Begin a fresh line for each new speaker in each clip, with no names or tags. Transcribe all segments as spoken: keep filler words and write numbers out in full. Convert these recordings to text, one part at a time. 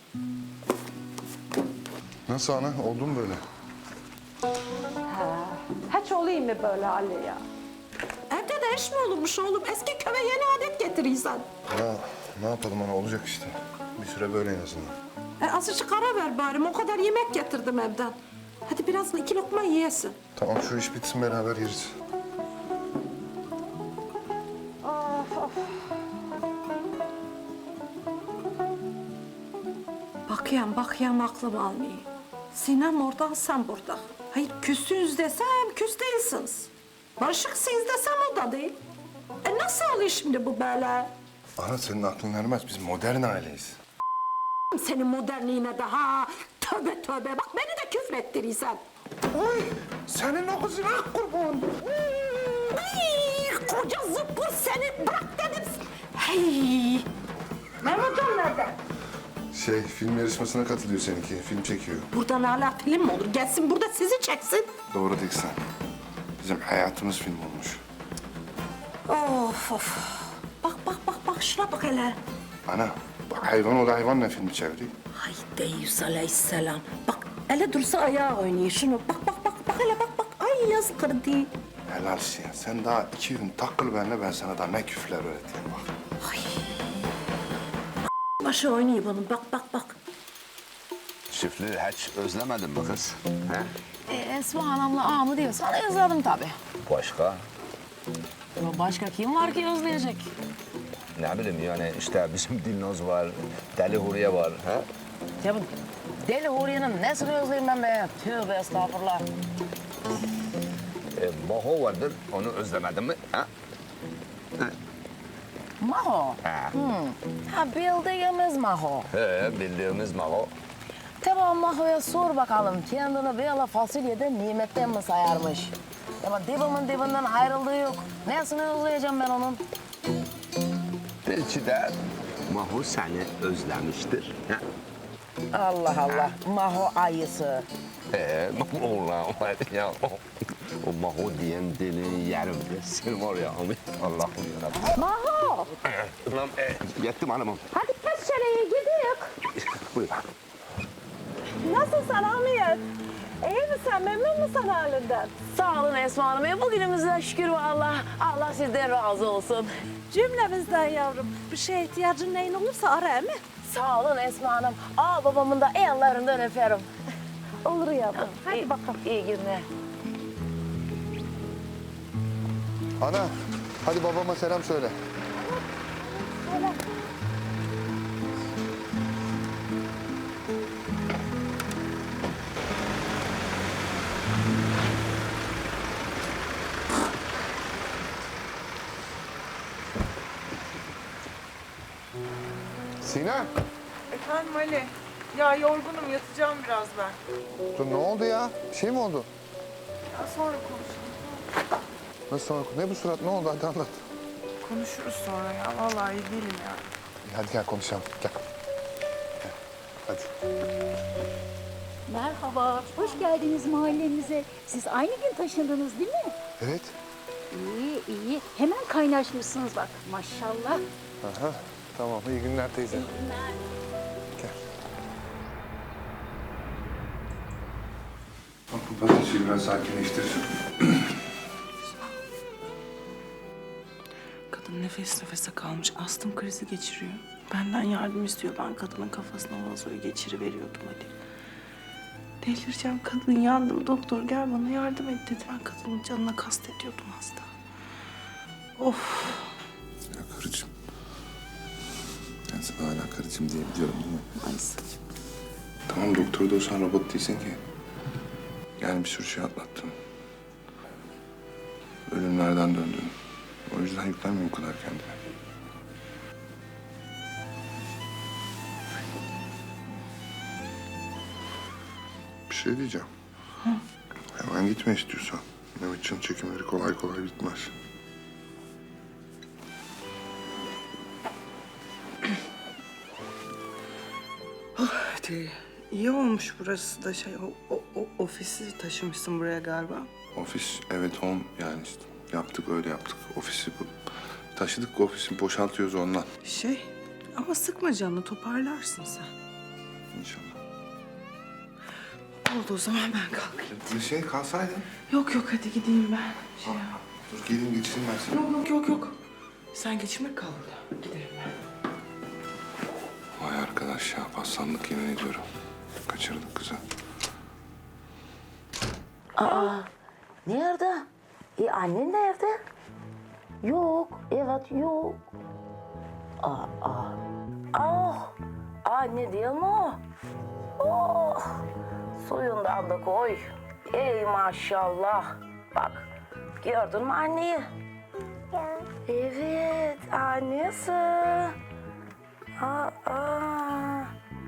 Nasıl ana? Oldu mu böyle?
Ha, hiç olayım mı böyle Ali ya? Evde de iş mi olurmuş oğlum? Eski köye yeni adet getirirsen.
Ya ne yapalım ana? Olacak işte. Bir süre böyle en azından.
E, azıcık ara ver bari. O kadar yemek getirdim evden. Hadi biraz iki lokma yiyesin.
Tamam şu iş bitsin beraber yeriz.
Of of. Bakayım bakayım aklım almıyor. Sinem orada, sen burada. Hayır küssünüz desem küs değilsiniz. Barışıksınız desem o da değil. E nasıl oluyor şimdi bu böyle?
Ana senin aklın ermez. Biz modern aileyiz.
Senin modernliğine de ha. Tövbe tövbe. Bak beni de küfrettirirsen.
Oy! Senin o kızına kurban.
Ay, koca zıppır seni. Bırak dedim. Hey. Mehmetcan nerede?
Şey, film yarışmasına katılıyor seninki. Film çekiyor.
Buradan hala film mi olur? Gelsin burada sizi çeksin.
Doğru Diksen. Bizim hayatımız film olmuş.
Of of. Bak bak bak bak şuna bak hele.
Ana, bak hayvan o da hayvanla filmi çeviriyor.
Hay Deyyus aleyhisselam. Bak hele dursa ayağı oynuyor şunu. Bak bak bak bak hele bak bak. Ay yazık kırdı.
Helalsin ya. Sen daha iki gün takıl benimle, ben sana daha ne küfürler öğreteyim bak.
Ay. Başı oynuyor bunun. Bak bak bak.
Çiftliği hiç özlemedin mi kız? He?
E, Esma Hanım'la ağamı diyorsan özledim tabii.
Başka?
Ya başka kim var ki özleyecek?
Ne bileyim yani işte bizim Dilnoz var, Deli Huriye var. He?
Ya bu Deli Huriye'nin nesini özleyeyim ben be? Tövbe estağfurullah.
E, Maho vardır, onu özlemedin mi? Ha?
Maho.
Ha.
Ha bildiğimiz Maho.
He, bildiğimiz Maho.
Tamam Maho'ya sor bakalım kendini böyle fasulyeden nimetten mi sayarmış? Ama dibimin dibinden ayrıldığı yok. Nesini özleyeceğim ben onun?
Belki de Maho seni özlemiştir. Ha?
Allah Allah. Maho ayısı.
He, ulan var ya. O, o Maho diyen deli yerim. Sen var ya, Allah'ım yarabbim.
Maho.
Ulan e, yettim hanımım.
Hadi peşereye gidiyoruz.
Buyur.
Nasılsın Hamiyet? İyi misin? Memnun musun halinden?
Sağ olun Esma Hanım. E, bugünümüze şükür vallahi. Allah sizden razı olsun.
Cümlemizden yavrum. Bir şeye ihtiyacın neyin olursa ara mi?
Sağ olun Esma Hanım. Aa babamın da ellerinden öperim.
Olur yavrum. Hadi
İyi-
bakalım.
İyi günler.
Ana, hadi babama selam söyle. Sinem,
Efendim Ali. Ya yorgunum, yatacağım biraz ben.
dur ne oldu ya? Bir şey mi oldu?
Ya sonra konuşuruz.
Nasıl sonra? Ne bu surat? Ne oldu? Hadi anlat.
Konuşuruz sonra ya. Vallahi iyi değilim yani.
İyi, hadi gel konuşalım. Gel. Gel. Hadi.
Merhaba, hoş geldiniz mahallemize. Siz aynı gün taşındınız değil mi?
Evet.
İyi, iyi. Hemen kaynaşmışsınız bak, maşallah.
Aha. Tamam. İyi günler teyze. Gel. Bak bu patatesi biraz sakinleştir.
Kadın nefes nefese kalmış. Astım krizi geçiriyor. Benden yardım istiyor. Ben kadının kafasına vazoyu geçiriveriyordum Ali. Delireceğim. Kadın yandım. Doktor gel bana yardım et dedi. Ben kadının canına kastediyordum hasta. Of.
Ya karıcığım. Ben sana hala karıcığım diyebiliyorum değil mi?
Maalesef.
Tamam doktor da olsan robot değilsin ki. Yani bir sürü şey atlattın. Ölümlerden döndün. O yüzden yüklenme bu kadar kendine. Bir şey diyeceğim. Hı? Hemen gitme istiyorsan. Mehmetcan'ın çekimleri kolay kolay bitmez.
Hadi. İyi olmuş burası da şey. O, o, o ofisi taşımışsın buraya galiba.
Ofis evet home yani işte. Yaptık öyle yaptık. Ofisi bu. Taşıdık ofisi boşaltıyoruz ondan.
Şey ama sıkma canını toparlarsın sen.
İnşallah.
Oldu o zaman ben kalkayım.
Bir şey kalsaydın.
Yok yok hadi gideyim ben. Şey yap.
Dur gelin geçireyim ben seni.
Yok yok yok yok. Sen geçirmek kal burada. Giderim ben.
Vay arkadaş ya, paslandık yemin ediyorum. Kaçırdık kızı.
Nerede? E annen nerede? Yok, evet yok. Aa, aa. Ah, anne değil mi o? Oh, suyundan da koy. Ey maşallah. Bak, gördün mü anneyi? Evet, annesi. Aa, aa.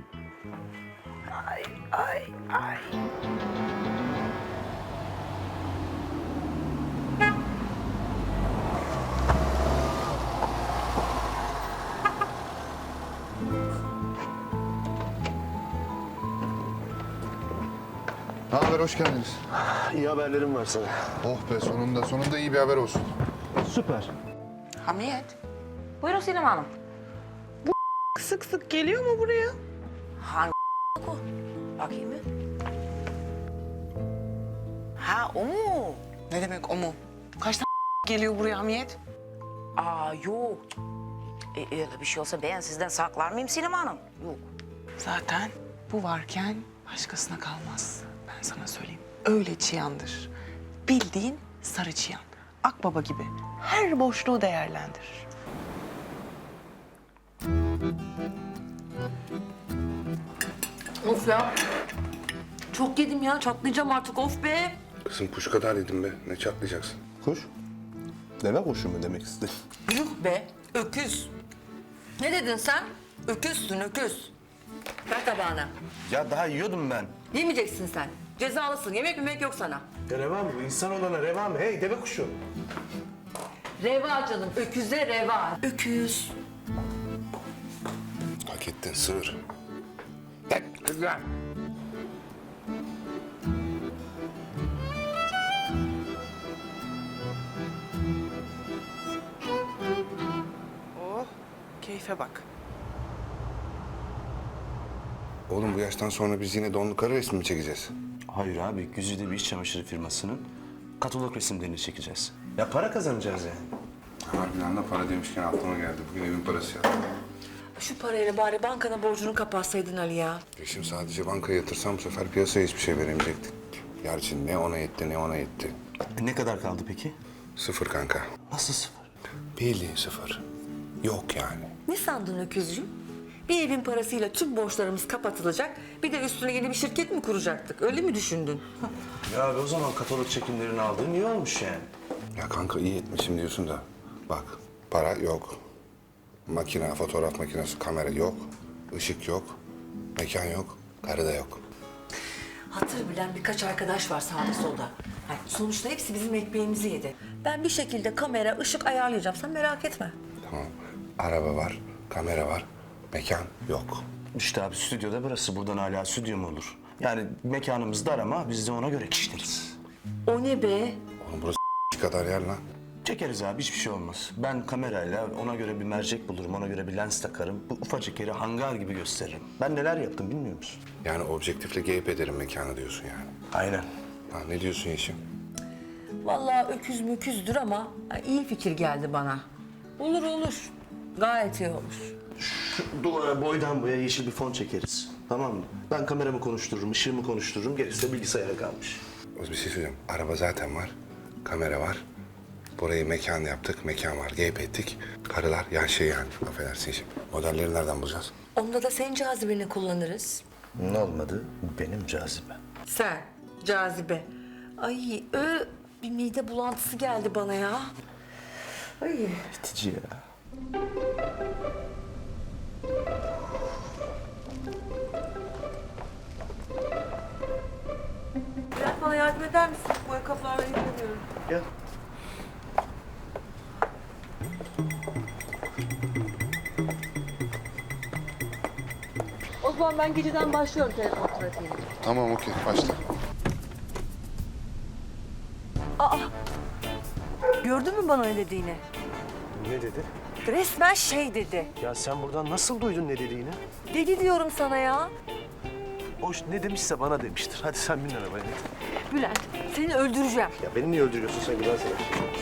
Ay, ay, ay.
Ne haber, hoş geldiniz.
İyi haberlerim var sana.
Oh be, sonunda, sonunda iyi bir haber olsun.
Süper.
Hamiyet.
Buyurun Sinem Hanım.
Sık sık geliyor mu buraya?
Hangi o? Bakayım mı?
Ha o mu? Ne demek o mu? Kaç tane geliyor buraya Hamiyet?
Aa yok. E, öyle bir şey olsa ben sizden saklar mıyım Sinem Hanım? Yok.
Zaten bu varken başkasına kalmaz. Ben sana söyleyeyim. Öyle çıyandır. Bildiğin sarı çıyan. Akbaba gibi. Her boşluğu değerlendirir.
Of ya. Çok yedim ya, çatlayacağım artık, of be.
Kızım kuş kadar yedim be, ne çatlayacaksın?
Kuş? Deve kuşu mu demek istedin?
Yuh be, öküz. Ne dedin sen? Öküzsün, öküz. Ver tabağına.
Ya daha yiyordum ben.
Yemeyeceksin sen. Cezalısın, yemek yemek yok sana.
Ya reva mı? İnsan olana reva mı? Hey deve kuşu.
Reva canım, öküze reva. Öküz.
Hak ettin sığır. Tek kızım.
Oh, keyfe bak.
Oğlum bu yaştan sonra biz yine donlu karı resmi mi çekeceğiz?
Hayır abi, güzide bir iş çamaşırı firmasının katalog resimlerini çekeceğiz. Ya para kazanacağız yani.
Harbiden de para demişken aklıma geldi. Bugün evin parası yattı.
Şu parayla bari bankana borcunu kapatsaydın Ali ya.
E şimdi sadece bankaya yatırsam bu sefer piyasaya hiçbir şey veremeyecektik. Gerçi ne ona yetti ne ona yetti.
E ne kadar kaldı peki?
Sıfır kanka.
Nasıl sıfır?
Bildiğin sıfır. Yok yani.
Ne sandın öküzcüğüm? Bir evin parasıyla tüm borçlarımız kapatılacak. Bir de üstüne yeni bir şirket mi kuracaktık? Öyle mi düşündün?
Ya abi o zaman katalog çekimlerini aldığın iyi olmuş yani.
Ya kanka iyi etmişim diyorsun da. Bak para yok. Makine, fotoğraf makinesi, kamera yok. Işık yok. Mekan yok. Karı da yok.
Hatır bilen birkaç arkadaş var sağda solda. Yani sonuçta hepsi bizim ekmeğimizi yedi. Ben bir şekilde kamera, ışık ayarlayacağım. Sen merak etme.
Tamam. Araba var. Kamera var. Mekan yok.
İşte abi stüdyoda burası. Buradan hala stüdyo mu olur? Yani mekanımız dar ama biz de ona göre kişileriz.
O ne be?
Oğlum burası kadar yer lan.
Çekeriz abi, hiçbir şey olmaz. Ben kamerayla ona göre bir mercek bulurum, ona göre bir lens takarım. Bu ufacık yeri hangar gibi gösteririm. Ben neler yaptım bilmiyor musun?
Yani objektifle geyip ederim mekanı diyorsun yani.
Aynen.
Ha, ne diyorsun Yeşim?
Vallahi öküz müküzdür ama iyi fikir geldi bana. Olur olur. Gayet iyi olur.
Duvara boydan boya yeşil bir fon çekeriz. Tamam mı? Ben kameramı konuştururum, ışığımı konuştururum. Gerisi de bilgisayara kalmış.
O bir şey söyleyeceğim. Araba zaten var. Kamera var. Burayı mekan yaptık. Mekan var. Geyip ettik. Karılar yan şey yani. Affedersin Yeşim. Modelleri nereden bulacağız?
Onda da senin cazibeni kullanırız.
Ne olmadı? Benim cazibe.
Sen, cazibe. Ay, ö, bir mide bulantısı geldi bana ya. Ay.
Bitici ya.
Bülent bana yardım eder misin? Bu ayakkabılarla ilgileniyorum.
Gel.
O zaman ben geceden başlıyorum telefon trafiğine.
Tamam okey. Başla.
Gördün mü bana ne dediğini?
Ne dedi?
Resmen şey dedi.
Ya sen buradan nasıl duydun ne dediğini?
Deli diyorum sana ya.
Hoş ne demişse bana demiştir. Hadi sen bin arabaya.
Bülent seni öldüreceğim.
Ya beni niye öldürüyorsun sen güzel sever.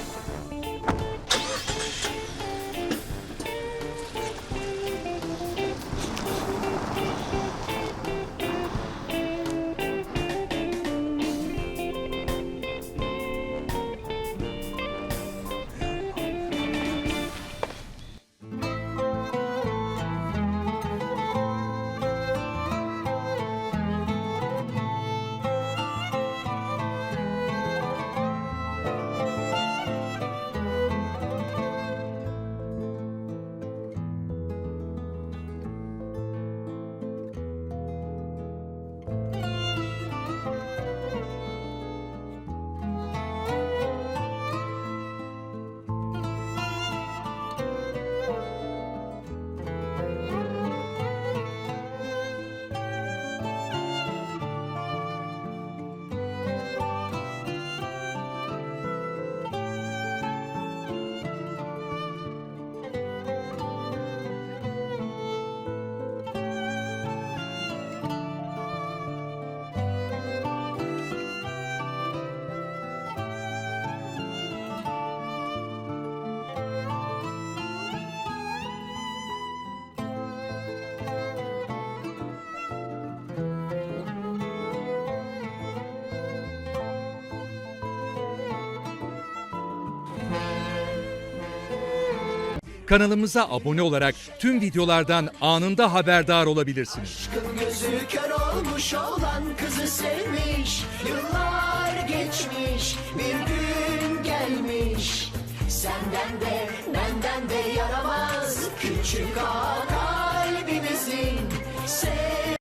Kanalımıza abone olarak tüm videolardan anında haberdar olabilirsiniz.
Gözü kör olmuş olan kızı sevmiş. Yıllar geçmiş, bir gün gelmiş. Senden de benden de yaramaz küçük ağa kalbimizin